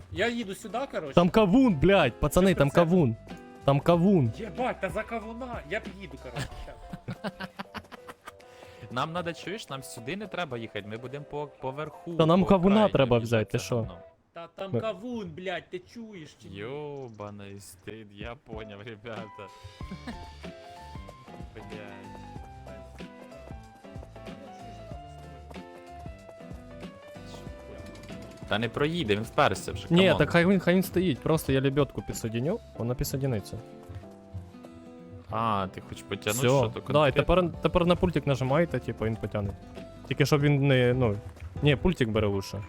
Я їду сюди, коротше. Там кавун, блядь, пацани, там кавун. Там кавун. Єбать, та за кавуна. Я під'їду, коротше. щас. Нам надо, чуєш, нам сюди не треба їхати, ми будемо поверху. Та нам по кавуна окраїні треба об'їжджати взяти, ти це що? говно. Та там Ми- кавун, блядь, ти чуєш чи ні? Ёбаный стыд, я понял, ребята. Блядь. Та не проїде, він вперся вже. Ні, камон. так хай він стоїть, просто я лебедку підсоединю, вона підсоединиться. А, ти хочеш потягнути, що Все, то да, і конкретно? тепер на пультик нажимаєте, типу, він потягне. Тільки щоб він не, ну... Ні, пультик бере лучше.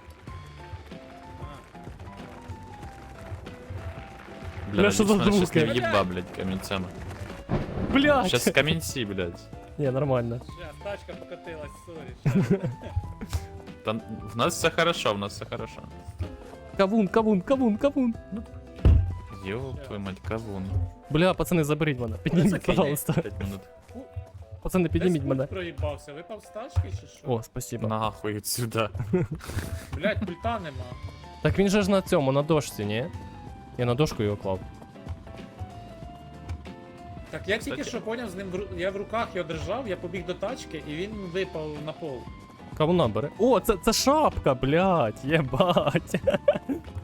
Бля, що за надіюсь, мене щас звуки? не в'їба, блядь, камінцями. Блядь! Щас камінці, блядь. Ні, нормально. Щас, тачка покатилась, сорі. щас. Та в нас все хорошо, в нас все хорошо. Кавун, кавун, кавун, кавун. Ёб твою мать, кавун. Бля, пацани, заберіть мене. Підніміть, Закинь. пожалуйста. 5 минут. Пацани, підніміть Десь мене. пульт проїбався, випав з тачки чи що? О, спасибо. Нахуй отсюда. Блядь, пульта нема. Так він же ж на цьому, на дошці, ні? Я на дошку його клав. Так я тільки Кстати. що поняв, з ним я в руках його держав, я побіг до тачки і він випав на пол. Кавуна бере. О, це шапка, блядь, єбать.